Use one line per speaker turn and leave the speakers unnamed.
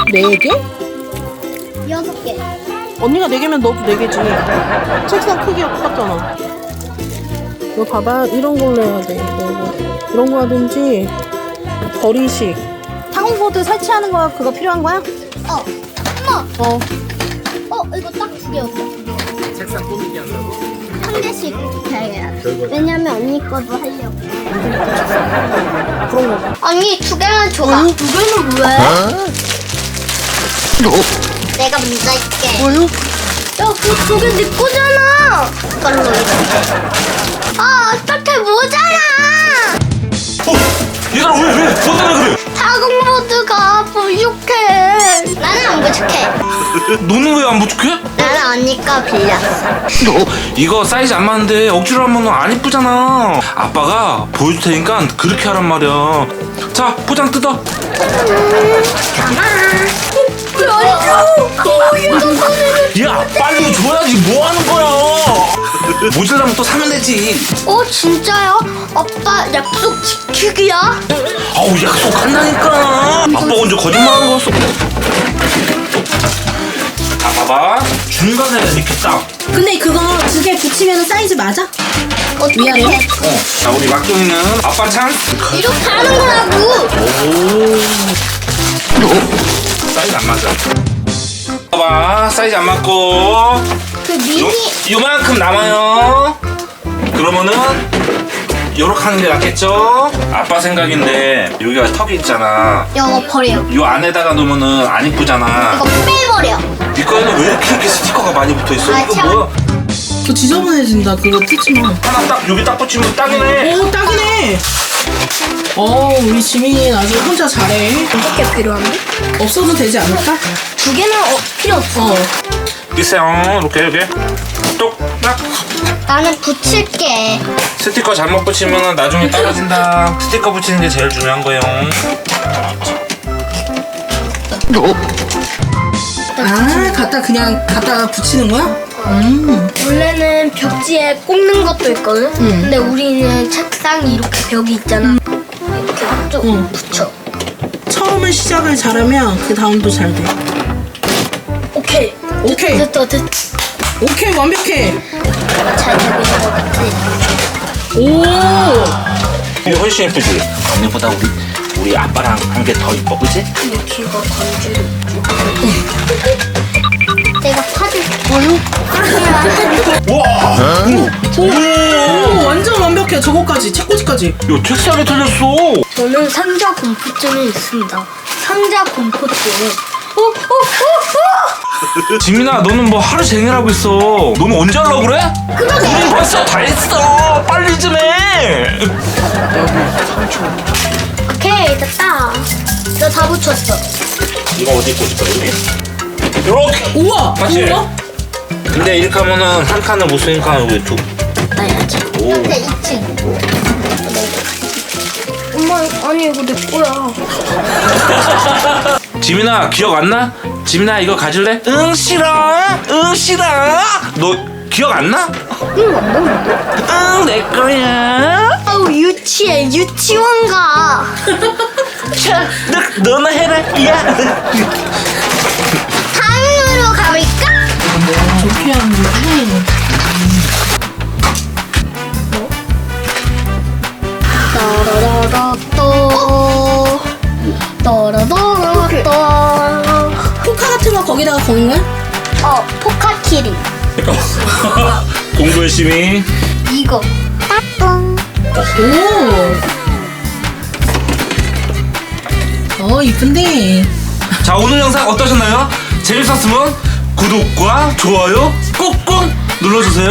4개?
6개.
언니가 4개면 너도 4개지. 책상 크기가 똑같잖아. 이거 봐봐. 이런 걸로 해야 돼. 이런 거 하든지 거리식.
타공보드 설치하는 거 그거 필요한 거야? 엄마.
어.
이거 딱 2개였어.
책상 꾸미기 한다고?
한 개씩 해야 돼. 왜냐면 언니 거도 하려고.
그런 거.
언니 2개만 줘봐. 2개는 왜? 내가 먼저 할게.
뭐요?
야, 그 2개 네 거잖아. 이걸로 이렇게. 어떡해, 모자라.
얘들아 왜? 뭐 때문에 그래?
타공보드가 부족해. 나는 안 부족해.
너는 왜 안 부족해?
나는 언니 거 빌렸어.
이거 사이즈 안 맞는데 억지로 하면 안 이쁘잖아. 아빠가 보여줄 테니까 그렇게 하란 말이야. 자, 포장 뜯어.
왜 안 줘?
야, 빨리 줘야지. 뭐 하는 거야? 모질라면 또 사면 되지.
진짜요? 아빠 약속 지키기야?
아우, 약속한다니까. 아빠 언제 거짓말하는 거였어? 자, 봐봐. 중간에 이렇게 딱.
근데 그거 2개 붙이면 사이즈 맞아? 위아래?
자, 우리 막둥이는 아빠 찬.
이렇게 하는 거라고.
사이즈 안 맞아. 봐봐, 사이즈 안 맞고
그 미니.
요만큼 남아요. 그러면은 요렇게 하는 게 낫겠죠? 아빠 생각인데 여기가 턱이 있잖아.
이거 버려.
요 안에다가 놓으면은 안 이쁘잖아.
이거 빼버려.
네 거에는 왜 이렇게 스티커가 많이 붙어있어?
아,
이거
참.
뭐야?
저 지저분해진다. 그거 붙이면.
하나 딱 여기 딱 붙이면 딱이네.
오, 딱이네. 우리 지민이 아주 혼자 잘해.
이렇게 필요한데?
없어도 되지 않을까?
2개는 필요 없어.
있어요. 이렇게 똑딱.
나는 붙일게.
스티커 잘못 붙이면 나중에 떨어진다. 스티커 붙이는 게 제일 중요한 거예요.
그냥 갖다 붙이는 거야?
원래는 벽지에 꽂는 것도 있거든? 근데 우리는 책상이 이렇게 벽이 있잖아. 이렇게 쭉 붙여.
처음에 시작을 잘하면 그 다음도 잘 돼.
오케이.
오케이.
됐다.
오케이, 완벽해.
잘 되는 것 같아.
오.
이게 훨씬 예쁘지? 언니보다 우리 아빠랑 한 게 더 이뻐, 그치?
근데 귀가 간지러. 내가 파줄게.
와!
오, 완전 완벽해. 저거까지, 책꽂이까지.
야, 책상에 틀렸어.
저는 상자 공포증이 있습니다. 상자 공포증.
지민아, 너는 뭐 하루 종일 하고 있어. 너는 언제 하려고 그래? 우린 벌써 다 했어. 빨리 좀 해.
오케이, 됐다. 너 다 붙였어.
이거 어디 있고 싶어, 여기? 이렇게.
우와.
맞지?
우와.
근데 이렇게 하면은 한 칸을 못 쓰니까 여기 두.
나야지.
오.
근데 2층. 엄마, 아니 이거 내 거야.
지민아, 기억 안 나? 지민아, 이거 가질래? 응, 싫어. 응, 싫어. 너 기억 안 나? 응, 내 거야.
아우 유치해, 유치원 가.
자, 너나 해라. 야.
다음으로 가볼까?
저렇게 하는 거지.
따라라라또
포카 같은 거 거기다가 거는 거야?
포카키리.
공부 열심히.
이거 따뚱.
오. 이쁜데.
자, 오늘 영상 어떠셨나요? 재밌었으면 구독과 좋아요 꾹꾹 눌러주세요.